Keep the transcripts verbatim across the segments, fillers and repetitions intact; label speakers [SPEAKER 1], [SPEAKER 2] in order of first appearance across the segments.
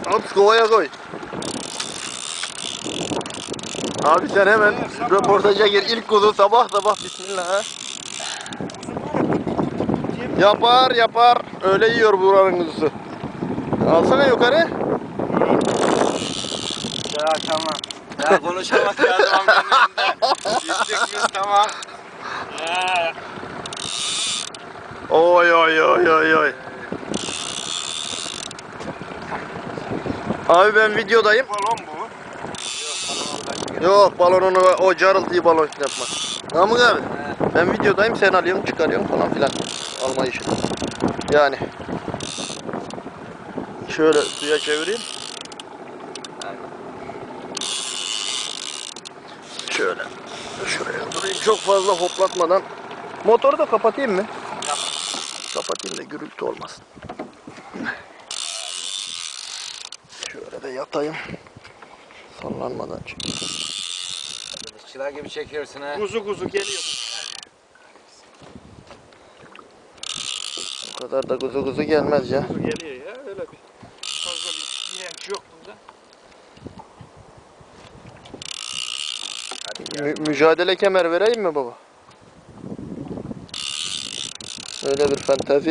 [SPEAKER 1] At kovaya koy. Abi sen hemen röportaja gir. İlk kuzu sabah sabah bismillah ha. Yapar yapar. Öyle yiyor buranın kuzusu. Alsana yukarı.
[SPEAKER 2] Ya tamam. Ya konuşamaz ya adamın önünde. Gittik biz tamam. Ya.
[SPEAKER 1] Oy oy oy oy oy. Abi ben videodayım.
[SPEAKER 2] Balon bu.
[SPEAKER 1] Yok balonunu o carıltıyı balon yapma. Namık abi. Ben videodayım sen alıyorsun çıkarıyorsun falan filan. Alma işi. Yani. Şöyle suya çevireyim. Şöyle. Şuraya durayım çok fazla hoplatmadan. Motoru da kapatayım mı?
[SPEAKER 2] Yap.
[SPEAKER 1] Kapatayım da gürültü olmasın. Şöyle de yatayım. Sallanmadan çek.
[SPEAKER 2] Balıkçılar gibi çekiyorsun ha.
[SPEAKER 3] Kuzu kuzu geliyor.
[SPEAKER 1] O kadar da kuzu kuzu gelmez ya.
[SPEAKER 3] Kuzu geliyor ya. Öyle bir fazla bir direnç yok bunda.
[SPEAKER 1] Mü mücadele kemer vereyim mi baba? Öyle bir fantezi.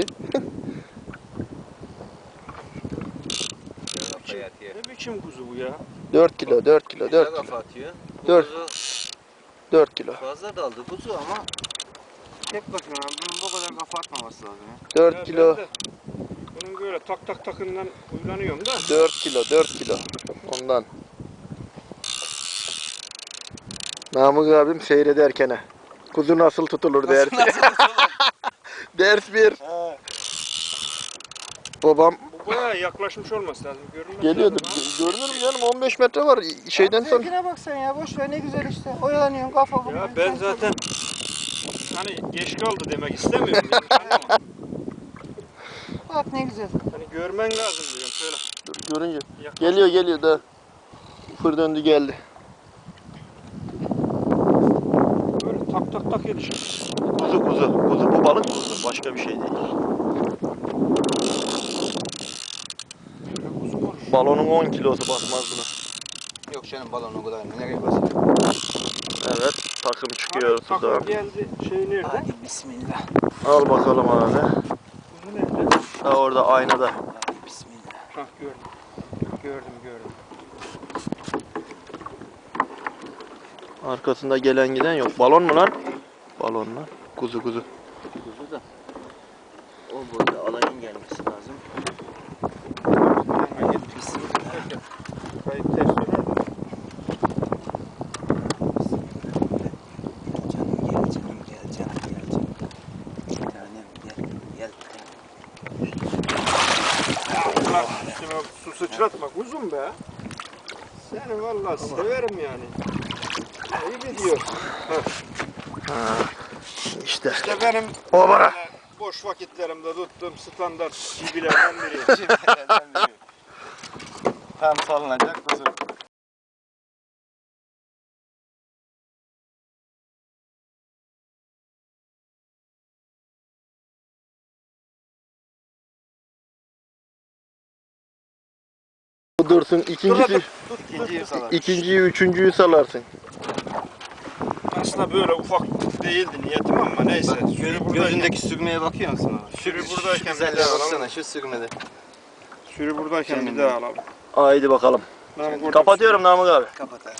[SPEAKER 3] Ne biçim kuzu bu ya?
[SPEAKER 1] dört kilo, dört kilo, dört kilo.
[SPEAKER 2] Kafa atıyor.
[SPEAKER 1] Dört. dört kilo.
[SPEAKER 2] Fazla daldı kuzu ama tek başına bunun bu kadar kafa atmaması lazım ya.
[SPEAKER 1] dört
[SPEAKER 3] Ya
[SPEAKER 1] kilo.
[SPEAKER 3] ben de bunun böyle tak tak takından uylanıyorum da.
[SPEAKER 1] dört kilo, dört kilo. Ondan. Namık abim seyrederken he. Kuzu nasıl tutulur ders. Ders bir.
[SPEAKER 3] He.
[SPEAKER 1] Babam
[SPEAKER 3] Bu bayağı yaklaşmış olması lazım. Görünmez
[SPEAKER 1] geliyordur.
[SPEAKER 3] lazım ha.
[SPEAKER 1] Görünür mü canım? on beş metre var şeyden
[SPEAKER 4] Abi
[SPEAKER 1] sonra.
[SPEAKER 4] zevkine bak sen ya, boş ver, ne güzel işte. Oyalanıyorsun, kafa buluyorsun.
[SPEAKER 3] Ya ben
[SPEAKER 4] sen
[SPEAKER 3] zaten hani geç kaldı demek istemiyorum. Yani. Ama
[SPEAKER 4] bak ne güzel.
[SPEAKER 3] hani görmen lazım diyorum şöyle.
[SPEAKER 1] Dur, görünce.
[SPEAKER 3] Yaklaş.
[SPEAKER 1] Geliyor geliyor da. Fır döndü geldi.
[SPEAKER 3] Böyle tak tak tak yetişir.
[SPEAKER 1] Kuzu kuzu. Kuzu bu balık kuzu. Başka bir şey değil.
[SPEAKER 3] Şöyle kuzu konuş.
[SPEAKER 1] Balonun on kilosu basmaz buna.
[SPEAKER 2] Yok canım balon o kadar nereye basıyor?
[SPEAKER 1] Evet. Takım çıkıyor
[SPEAKER 3] Hani
[SPEAKER 1] suda.
[SPEAKER 3] takla geldi şey nerede?
[SPEAKER 2] Hadi bismillah.
[SPEAKER 1] Al bakalım abi.
[SPEAKER 3] Kuzu nerede?
[SPEAKER 1] Ha orada aynada.
[SPEAKER 2] Hadi bismillah.
[SPEAKER 3] Hah gördüm. Gördüm gördüm.
[SPEAKER 1] Arkasında gelen giden yok. Balon mu lan? Balon lan. Kuzu kuzu.
[SPEAKER 2] Kuzu da o boyda alayın gelmesi lazım.
[SPEAKER 3] Hadi bismillah. Kayıp ters döner de.
[SPEAKER 2] Canım gel canım gel canım gel canım. Bir tanem gel gel.
[SPEAKER 3] Allah üstüme su sıçratma kuzum be. Seni vallahi severim yani. İyi gidiyor.
[SPEAKER 1] Ha. İşte.
[SPEAKER 3] İşte benim
[SPEAKER 1] O bana.
[SPEAKER 3] böyle boş vakitlerimde tuttuğum standart cibilerden biri.
[SPEAKER 2] Tam sallanacak kuzu.
[SPEAKER 1] Dursun ikincisi.
[SPEAKER 2] İkinciyi salar.
[SPEAKER 1] İkinciyi, üçüncüyü salarsın.
[SPEAKER 3] Aslında böyle ufak değildi niyetim ama neyse.
[SPEAKER 2] Bak,
[SPEAKER 3] Sürü
[SPEAKER 2] göz,
[SPEAKER 3] buradayken,
[SPEAKER 2] gözündeki sürmeye bakıyor musun ona?
[SPEAKER 3] Sürü
[SPEAKER 2] Şu-
[SPEAKER 3] buradayken
[SPEAKER 2] şu
[SPEAKER 3] bir
[SPEAKER 2] güzelliğe
[SPEAKER 3] daha
[SPEAKER 2] baksana
[SPEAKER 3] alalım.
[SPEAKER 2] şu sürmede.
[SPEAKER 3] sürü buradayken bir
[SPEAKER 2] Kendine.
[SPEAKER 3] daha alalım.
[SPEAKER 1] Haydi bakalım.
[SPEAKER 3] Namık orada
[SPEAKER 1] Kapatıyorum Namık abi.
[SPEAKER 2] Kapat abi.